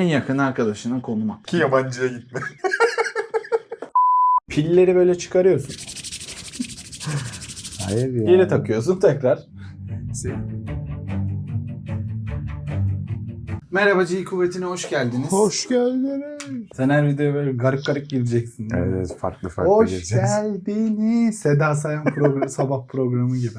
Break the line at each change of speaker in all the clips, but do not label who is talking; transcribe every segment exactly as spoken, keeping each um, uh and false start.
yakın arkadaşına konum at.
Ki yabancıya gitme.
Pilleri böyle çıkarıyorsun.
Hayır ya.
Geri takıyorsun tekrar. Merhaba G Kuvveti'ne hoş geldiniz.
Hoş geldiniz.
Sen her videoya böyle garip garip gireceksin.
Evet, evet farklı farklı
Hoş
geleceğiz.
geldiniz. Seda Sayan program, sabah programı gibi.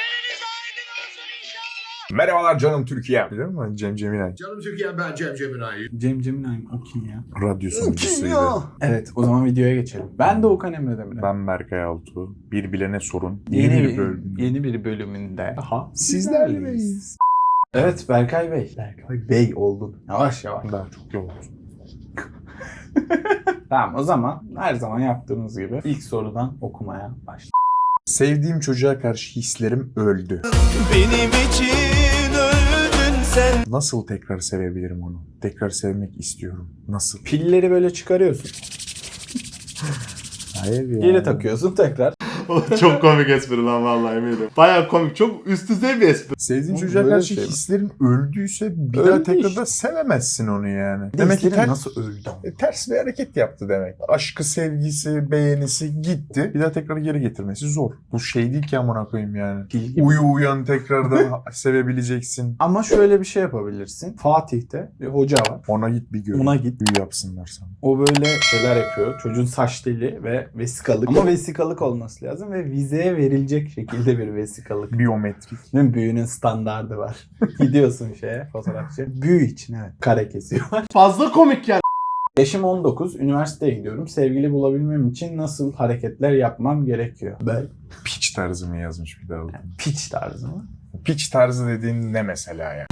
Merhabalar canım Türkiye. Biliyor musun Cem Ceminay?
Canım Türkiye, ben Cem Ceminay.
Cem Ceminay o kim ya?
Radyo sunucusuydu.
Evet, o zaman videoya geçelim. Ben de Okan Emre Demirel.
Ben Berkay Altuğ. Bir bilene sorun.
Yeni,
Yeni
bir,
bir bölüm.
yeni bir bölümünde daha
Sizlerleyiz.
Evet Berkay Bey. Berkay Bey oldun. Yavaş yavaş.
Daha çok yol olsun.
Tamam o zaman her zaman yaptığımız gibi ilk sorudan okumaya başlayalım.
Sevdiğim çocuğa karşı hislerim öldü.
Benim için öldün sen.
Nasıl tekrar sevebilirim onu? Tekrar sevmek istiyorum. Nasıl?
Pilleri böyle çıkarıyorsun.
Hayır ya.
Geri takıyorsun tekrar.
Çok komik espri lan vallahi eminim. Baya komik, çok üst düzey bir espri.
Sevdiğin
Oğlum,
çocuğa
böyle
karşı
şey mi?
hislerin öldüyse bir
Öldü
daha tekrar
işte.
da sevemezsin onu yani.
Demek ki
ter-
nasıl öldü ama?
e, ters bir hareket yaptı demek. Aşkı, sevgisi, beğenisi gitti. Bir daha tekrar geri getirmesi zor. Bu şey değil ki amına koyayım yani.
Pil gibi.
Uyu uyan tekrardan sevebileceksin.
Ama şöyle bir şey yapabilirsin. Fatih'te bir hoca var.
Ona git bir gör.
Ona git.
Büyü yapsınlar sana.
O böyle şeyler yapıyor. Çocuğun saç teli ve vesikalık. Ama vesikalık olması lazım ve vizeye verilecek şekilde bir vesikalık.
Biyometrik.
Değil mi? Büyünün standardı var. Gidiyorsun şeye fotoğrafçı. Büyü için evet. Kare kesiyorlar.
Fazla komik yani.
Yaşım on dokuz. Üniversiteye gidiyorum. Sevgili bulabilmem için nasıl hareketler yapmam gerekiyor? Ben
Piç tarzı mı yazmış bir daha?
yani piç tarzı mı?
Piç tarzı dediğin ne mesela ya?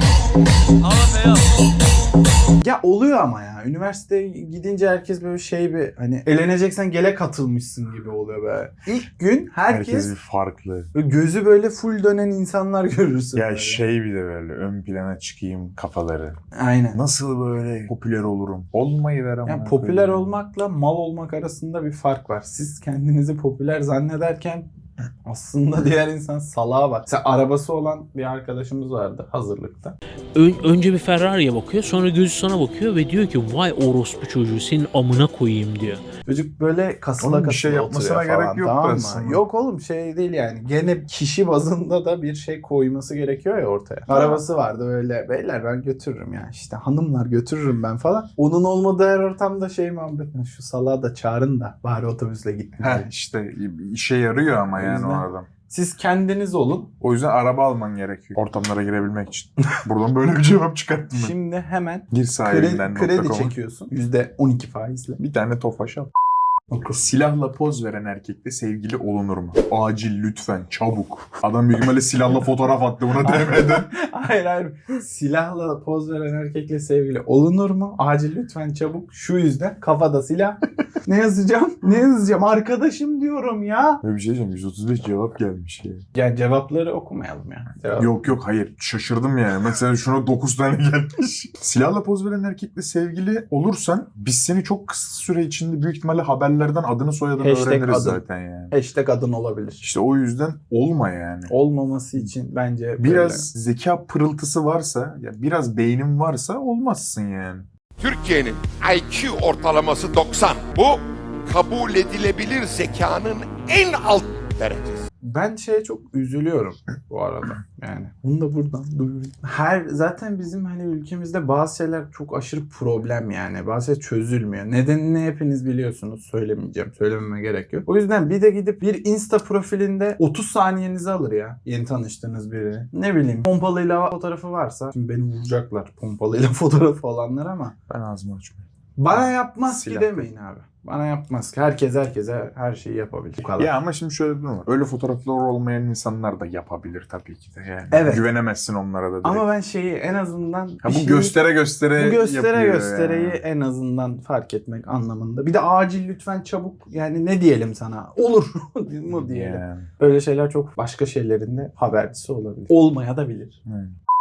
Ya oluyor ama ya. Üniversiteye gidince herkes böyle şey bir hani eleneceksen gele katılmışsın gibi oluyor be. İlk gün herkes,
Herkes bir farklı.
böyle gözü böyle full dönen insanlar görürsün.
Ya
böyle.
şey bir de böyle ön plana çıkayım kafaları.
Aynen.
Nasıl böyle popüler olurum? Olmayı ver ama.
Yani popüler olmakla mal olmak arasında bir fark var. Siz kendinizi popüler zannederken aslında diğer insan salağa bak. Mesela arabası olan bir arkadaşımız vardı hazırlıkta.
Ön- önce bir Ferrari'ye bakıyor, sonra gözü sana bakıyor ve diyor ki vay orospu çocuğu senin amına koyayım diyor.
Çocuk böyle kasıla
Oğlum bir
kasıla
şey yapmasına
oturuyor falan,
gerek yok
tamam mı?
aslında.
Yok oğlum şey değil yani. Gene kişi bazında da bir şey koyması gerekiyor ya ortaya. Arabası vardı böyle beyler ben götürürüm ya işte hanımlar götürürüm ben falan. Onun olmadığı her ortamda şey muhabbet. Şu salağı da çağırın da bari otobüsle gitme.
Heh işte işe yarıyor ama
O
yani o
yüzden-
adam.
Siz kendiniz olun.
O yüzden araba alman gerekiyor. Ortamlara girebilmek için. Buradan böyle bir cevap çıkarttım ben.
Şimdi hemen
Gir
kredi,
sahibinden
kredi çekiyorsun. yüzde on iki faizle.
Bir tane tofaş al. Silahla poz veren erkekle sevgili olunur mu? Acil lütfen çabuk. Adam büyük ihtimalle silahla fotoğraf attı buna D M'den.
Hayır hayır. Silahla poz veren erkekle sevgili olunur mu? Acil lütfen çabuk. Şu yüzden kafada silah. Ne yazacağım? Ne yazacağım? Arkadaşım diyorum ya.
Böyle bir şey diyeceğim. yüz otuz beş cevap gelmiş ya.
Ya cevapları okumayalım ya. Cevap.
Yok yok hayır. Şaşırdım yani. Mesela şuna dokuz tane gelmiş. Silahla poz veren erkekle sevgili olursan biz seni çok kısa süre içinde büyük ihtimalle haberlerden adını soyadını
Hashtag
öğreniriz
adım.
zaten yani.
Hashtag adın olabilir.
İşte o yüzden olma yani.
Olmaması için bence
Biraz zeka pırıltısı varsa, ya biraz beynin varsa olmazsın yani.
Türkiye'nin I Q ortalaması doksan. Bu kabul edilebilir zekanın en alt derecesi.
Ben şeye çok üzülüyorum bu arada. Yani bunu da buradan duyurayım. Her zaten bizim hani ülkemizde bazı şeyler çok aşırı problem yani. Bazı şeyler çözülmüyor. Nedenini hepiniz biliyorsunuz. Söylemeyeceğim. Söylememe gerek yok. O yüzden bir de gidip bir Insta profilinde otuz saniyenizi alır ya. Yeni tanıştığınız biri. Ne bileyim pompalıyla fotoğrafı varsa. Şimdi beni vuracaklar pompalıyla fotoğrafı olanlar ama.
Ben ağzımı açmıyorum.
Bana yapmaz
Silah.
ki demeyin abi. Bana yapmaz ki. Herkes herkese her şeyi yapabilir. Bu kadar.
Ya ama şimdi şöyle bir durum var. Öyle fotoğraflar olmayan insanlar da yapabilir tabii ki de yani.
Evet.
Güvenemezsin onlara da direkt.
Ama ben şeyi en azından
Ha,
bir
bu
şeyi-
göstere göstere
bu göstere
yapıyor
göstereyi
yani.
en azından fark etmek anlamında. Bir de acil lütfen çabuk yani ne diyelim sana? Olur mu diyelim.
Yani.
Öyle şeyler çok başka şeylerin de habercisi olabilir. Olmaya da bilir.
Evet.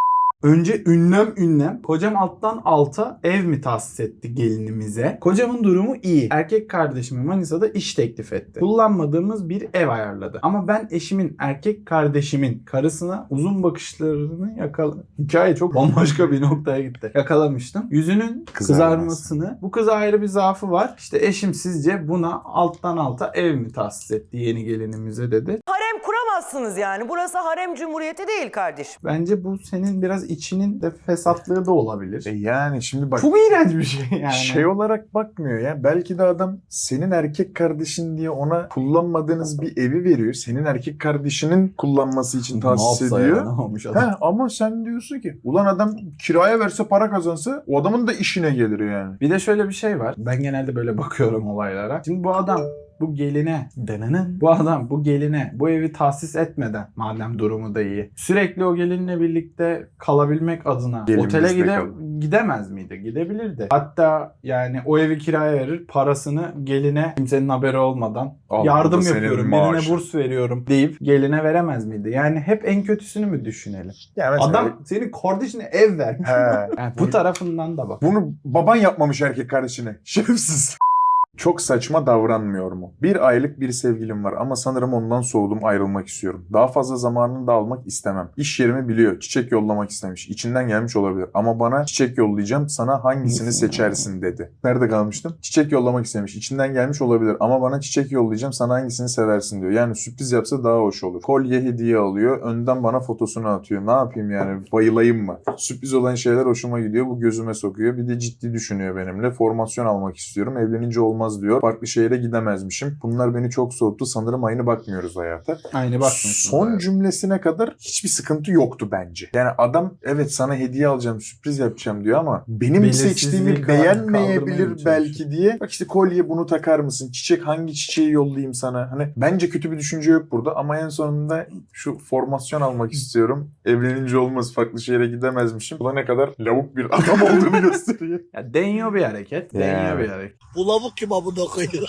Önce ünlem ünlem. Kocam alttan alta ev mi tahsis etti gelinimize? Kocamın durumu iyi. Erkek kardeşime Manisa'da iş teklif etti. Kullanmadığımız bir ev ayarladı. Ama ben eşimin, erkek kardeşimin karısına uzun bakışlarını yakala... Hikaye çok bambaşka bir noktaya gitti. Yakalamıştım. Yüzünün kızarmasını. Bu kıza ayrı bir zaafı var. İşte eşim sizce buna alttan alta ev mi tahsis etti yeni gelinimize dedi.
Harem kuramazsınız yani. Burası harem cumhuriyeti değil kardeşim.
Bence bu senin biraz içinin de fesatlığı da olabilir.
E yani şimdi bak.
Çok iğrenç bir şey yani.
Şey olarak bakmıyor ya. Belki de adam senin erkek kardeşin diye ona kullanmadığınız bir evi veriyor. Senin erkek kardeşinin kullanması için tahsis
Ne yapsa
ediyor.
ya, ne olmuş adam?
He, ama sen diyorsun ki ulan adam kiraya verse para kazansa o adamın da işine gelir yani.
Bir de şöyle bir şey var. Ben genelde böyle bakıyorum olaylara. Şimdi bu adam bu geline denenen bu adam bu geline bu evi tahsis etmeden madem durumu da iyi sürekli o gelinle birlikte kalabilmek adına
Gelinimizde
otele gide,
kalın.
gidemez miydi? Gidebilirdi. Hatta yani o evi kiraya verir, parasını geline kimsenin haberi olmadan
Al,
yardım
bu da senin
yapıyorum,
maaşın.
birine burs veriyorum deyip geline veremez miydi? Yani hep en kötüsünü mü düşünelim?
Ya mesela-
Adam senin kardeşine ev vermiş.
He.
Yani bu tarafından da bak.
Bunu baban yapmamış erkek kardeşine. Şerefsiz. Çok saçma davranmıyor mu? Bir aylık bir sevgilim var ama sanırım ondan soğudum, ayrılmak istiyorum. Daha fazla zamanını da almak istemem. İş yerimi biliyor, çiçek yollamak istemiş. İçinden gelmiş olabilir ama bana çiçek yollayacağım, sana hangisini seçersin dedi. Nerede kalmıştım? Çiçek yollamak istemiş. İçinden gelmiş olabilir ama bana çiçek yollayacağım, sana hangisini seversin diyor. Yani sürpriz yapsa daha hoş olur. Kolye hediye alıyor, önden bana fotosunu atıyor. Ne yapayım yani, bayılayım mı? Sürpriz olan şeyler hoşuma gidiyor, bu gözüme sokuyor. Bir de ciddi düşünüyor benimle. Formasyon almak istiyorum, evlenince olmaz diyor. Farklı şehre gidemezmişim. Bunlar beni çok soğuttu. Sanırım aynı bakmıyoruz hayata.
Aynı bakmıyorsunuz.
Son
hayata.
cümlesine kadar hiçbir sıkıntı yoktu bence. Yani adam evet sana hediye alacağım, sürpriz yapacağım diyor ama benim
Belirsizliği
seçtiğimi
kaldır- kaldırmaya
beğenmeyebilir
mı
belki diye. Bak işte kolye bunu takar mısın? Çiçek hangi çiçeği yollayayım sana? Hani bence kötü bir düşünce yok burada ama en sonunda şu formasyon almak istiyorum. Evlenince olmaz, farklı şehre gidemezmişim. Bu da ne kadar lavuk bir adam olduğunu gösteriyor.
Ya deniyor bir hareket. Deniyor
Yani.
bir hareket.
Bu lavuk kim amına koyuyor?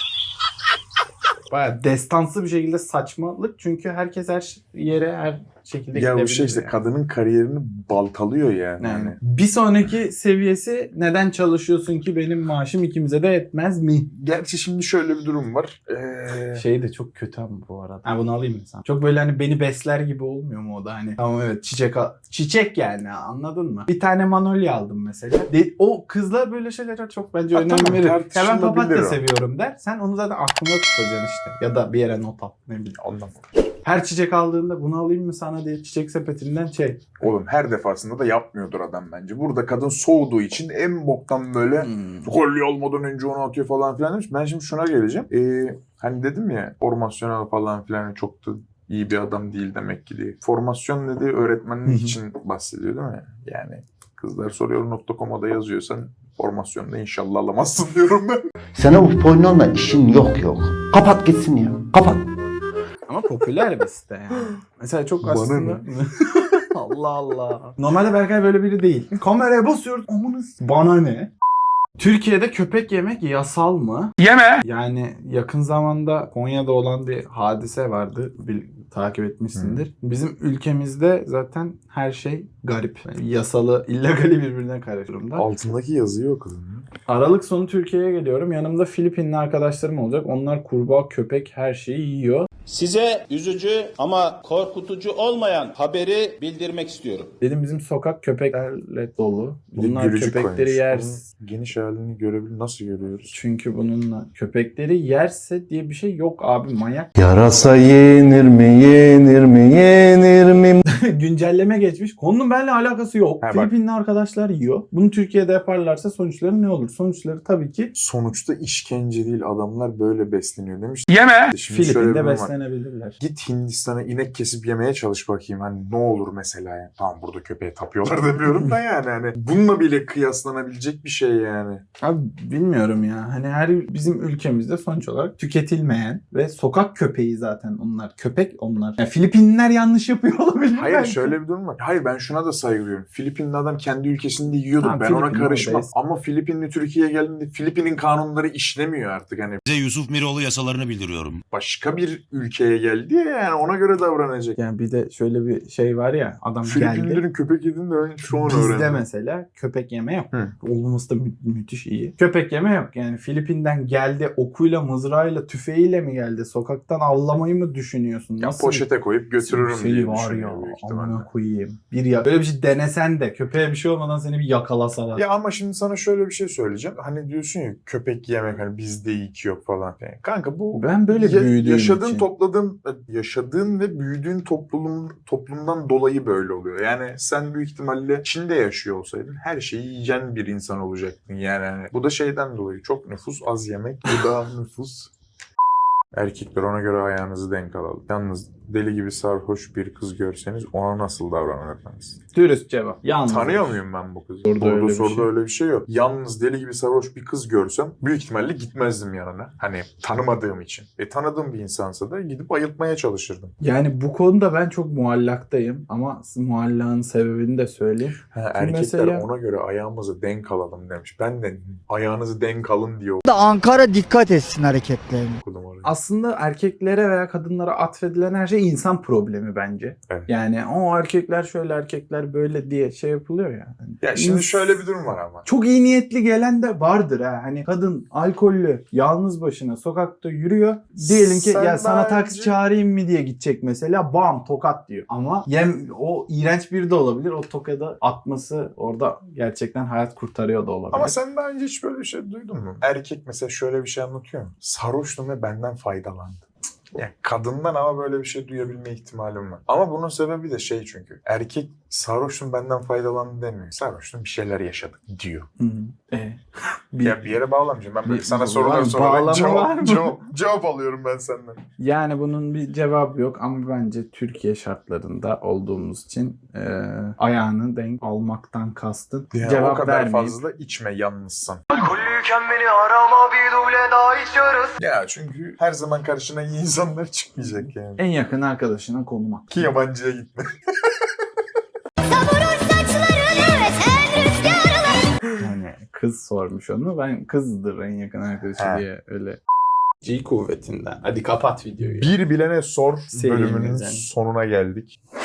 Baya destansı bir şekilde saçmalık. Çünkü herkes her yere her şekilde
Ya bu
gidebilir.
şey işte
yani.
kadının kariyerini baltalıyor yani.
Yani
Hani
bir sonraki seviyesi neden çalışıyorsun ki benim maaşım ikimize de etmez mi?
gerçi şimdi şöyle bir durum var. Ee,
Şey de çok kötü ama bu arada. Ha bunu alayım mı sen? Çok böyle hani beni besler gibi olmuyor mu o da hani? Tamam evet çiçek al- çiçek yani anladın mı? Bir tane manolya aldım mesela. De- o kızlar böyle şeylere çok bence
Ha,
önem
tamam,
verir. Ya ben
tartışılabilir
papatya
o.
seviyorum der. Sen onu zaten aklında tutacaksın işte. Ya da bir yere not al. Ne bileyim.
ondan.
Her çiçek aldığında bunu alayım mı sana diye çiçek sepetinden şey.
Oğlum her defasında da yapmıyordur adam bence. Burada kadın soğuduğu için en boktan böyle
Hmm.
kolye olmadan önce onu atıyor falan filan demiş. Ben şimdi şuna geleceğim. Ee, hani dedim ya formasyonel falan filan çok da iyi bir adam değil demek ki diye. Formasyon dediği öğretmenlik için bahsediyor değil mi? Yani kızlar soruyor nokta com'a da yazıyorsan formasyonda inşallah alamazsın diyorum ben.
Sana bu pornonla işin yok yok. Kapat gitsin ya. Kapat.
Ama popüler bir site yani. Mesela çok
Bana
aslında...
ne?
Allah Allah. Normalde Berkay böyle biri değil. Kameraya basıyoruz. Amanız. Bana ne? Türkiye'de köpek yemek yasal mı? Yeme. Yani yakın zamanda Konya'da olan bir hadise vardı. Bir, takip etmişsindir. Bizim ülkemizde zaten her şey garip. Yani yasalı, illegali birbirine karışır durumda.
Altındaki yazıyı okudum.
Aralık sonu Türkiye'ye geliyorum. Yanımda Filipinli arkadaşlarım olacak. Onlar kurbağa, köpek her şeyi yiyor.
Size üzücü ama korkutucu olmayan haberi bildirmek istiyorum.
Dedim bizim sokak köpeklerle dolu.
Bir de
Bunlar
gülücük
köpekleri
koymuş.
yer.
Onun geniş halini görebilir. Nasıl görüyoruz?
Çünkü bununla köpekleri yerse diye bir şey yok abi, manyak.
Yarasa yenir mi yenir mi yenir mi?
Güncelleme geçmiş. Konunun benimle alakası yok.
Ha, bak.
Filipinli arkadaşlar yiyor. Bunu Türkiye'de yaparlarsa sonuçları ne olur? Sonuçları tabii ki
Sonuçta işkence değil, adamlar böyle besleniyor demiş.
yeme.
Şimdi şöyle bir
Filipin'de
durum var.
beslenebilirler.
Git Hindistan'a inek kesip yemeye çalış bakayım. Hani ne olur mesela yani. Tamam burada köpeğe tapıyorlar demiyorum da yani. Hani bununla bile kıyaslanabilecek bir şey yani.
Abi bilmiyorum ya. Hani her bizim ülkemizde sonuç olarak tüketilmeyen ve sokak köpeği zaten onlar. Köpek onlar. Yani Filipinliler yanlış yapıyor olabilir.
Hayır
belki.
şöyle bir durum var. Hayır ben şuna da saygı duyuyorum. Filipinli adam kendi ülkesinde yiyordu.
Ha,
ben ona
Filipin
karışmam.
oradayız.
Ama Filipinli Türkiye'ye geldiğinde Filipin'in kanunları işlemiyor artık. Hani
Size Yusuf Miroğlu yasalarını bildiriyorum.
başka bir ülkeye geldi ya, yani ona göre davranacak.
Yani bir de şöyle bir şey var ya, adam geldi.
Filipinlilerin köpek yediğini de ben şu an
Bizde
öğrendim.
mesela köpek yeme yok.
Hı.
Olmaması da mü- müthiş iyi. Köpek yeme yok. Yani Filipin'den geldi, okuyla, mızrağıyla, tüfeğiyle mi geldi? Sokaktan avlamayı mı düşünüyorsun?
Ya
Nasıl
poşete koyup götürürüm
seni
diye
var ya,
düşünüyor büyük ihtimalle.
amına koyayım. Bir ya böyle bir şey denesen de köpeğe bir şey olmadan seni bir yakalasalar.
Ya ama şimdi sana şöyle bir şey söyleyeceğim. Hani diyorsun ya köpek yemek hani bizde ilk yok falan. Yani kanka bu
Ben böyle
ya-
büyüdüğüm
yaşadığın
için.
topladığın yaşadığın ve büyüdüğün toplum toplumdan dolayı böyle oluyor. Yani sen büyük ihtimalle Çin'de yaşıyor olsaydın her şeyi yiyeceksin bir insan olacaktın. Yani hani bu da şeyden dolayı çok nüfus az yemek. Bu da nüfus. Erkekler ona göre ayağınızı denk alalım. Yalnız deli gibi sarhoş bir kız görseniz ona nasıl davranırdınız?
Dürüst cevap. Yalnız.
Tanıyor muyum ben bu kızı?
Soruda öyle
Orada
bir
soruda
şey.
öyle bir şey yok. Yalnız deli gibi sarhoş bir kız görsem büyük ihtimalle gitmezdim yanına. Hani tanımadığım için. E tanıdığım bir insansa da gidip ayıltmaya çalışırdım.
Yani bu konuda ben çok muallaktayım ama muallağın sebebini de söyleyeyim.
Ha,
Şimdi
erkekler
mesela-
ona göre ayağımızı denk alalım demiş. Ben de ayağınızı denk alın diye
Da Ankara dikkat etsin hareketlerine.
okudum orayı.
Aslında erkeklere veya kadınlara atfedilen her şey insan problemi bence.
Evet.
Yani o erkekler şöyle, erkekler böyle diye şey yapılıyor ya. Yani
Ya şimdi
ins-
şöyle bir durum var ama.
Çok iyi niyetli gelen de vardır ha. Hani kadın alkollü, yalnız başına sokakta yürüyor. Diyelim ki
Sen
ya sana
bence-
taksi çağırayım mı diye gidecek mesela. Bam tokat diyor. Ama yem o iğrenç biri de olabilir. O tokadı atması orada gerçekten hayat kurtarıyor da olabilir.
Ama sen daha önce hiç böyle bir şey duydun mu? Erkek mesela şöyle bir şey anlatıyor mu? Sarhoştum ve benden faydalandı. Yani kadından ama böyle bir şey duyabilme ihtimalim var. Ama bunun sebebi de şey çünkü. Erkek sarhoştum benden faydalandı demiyor. Sarhoştum bir şeyler yaşadık diyor.
Hı hı. E, bir-
Ya bir yere bağlamayacağım. Ben böyle
Bir-
sana
var
sorular
mı?
sorarak
Bağlama var
cevap,
mı?
cevap, cevap alıyorum ben senden.
Yani bunun bir cevabı yok ama bence Türkiye şartlarında olduğumuz için e, ayağını denk almaktan kastın.
Yani
Cevap
o kadar
vermeyip.
fazla içme yalnızsan.
Alkollüyken beni arama bir duble daha içiyoruz.
Ya çünkü her zaman karşına iyi insanlar çıkmayacak yani.
En yakın arkadaşına konum
Ki yabancıya gitme.
Yani kız sormuş onu. Ben kızdır en yakın arkadaşı
He.
diye öyle. G kuvvetinden. Hadi kapat videoyu.
Bir bilene sor
Serimiz
bölümünün
yani.
sonuna geldik.